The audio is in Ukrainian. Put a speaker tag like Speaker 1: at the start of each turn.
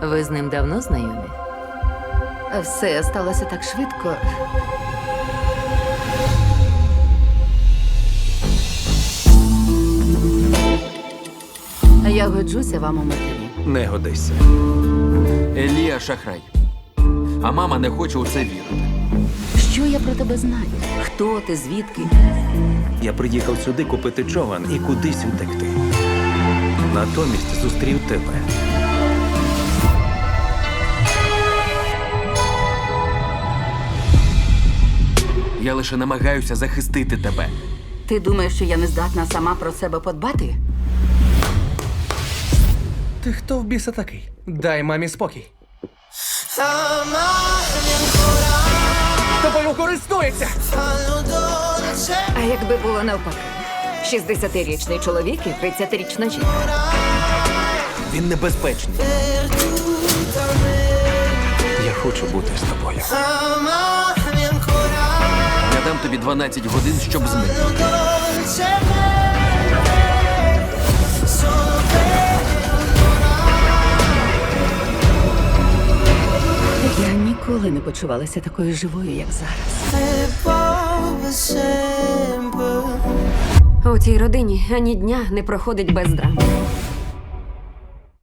Speaker 1: Ви з ним давно знайомі?
Speaker 2: Все сталося так швидко. Я годжуся вам у матері.
Speaker 3: Не годися.
Speaker 4: Елія шахрай. А мама не хоче у це вірити.
Speaker 2: Що я про тебе знаю? Хто ти, звідки?
Speaker 3: Я приїхав сюди купити човен і кудись утекти. Натомість зустрів тебе.
Speaker 4: Я лише намагаюся захистити тебе.
Speaker 2: Ти думаєш, що я не здатна сама про себе подбати?
Speaker 5: Ти хто в біса такий? Дай мамі спокій. Тобою користується!
Speaker 6: А якби було навпаки? 60-річний чоловік і 30-річна жінка.
Speaker 4: Він небезпечний.
Speaker 3: Я хочу бути з тобою.
Speaker 4: Я дам тобі 12 годин, щоб зникнути.
Speaker 2: Я ніколи не почувалася такою живою, як зараз.
Speaker 6: У цій родині ані дня не проходить без драм.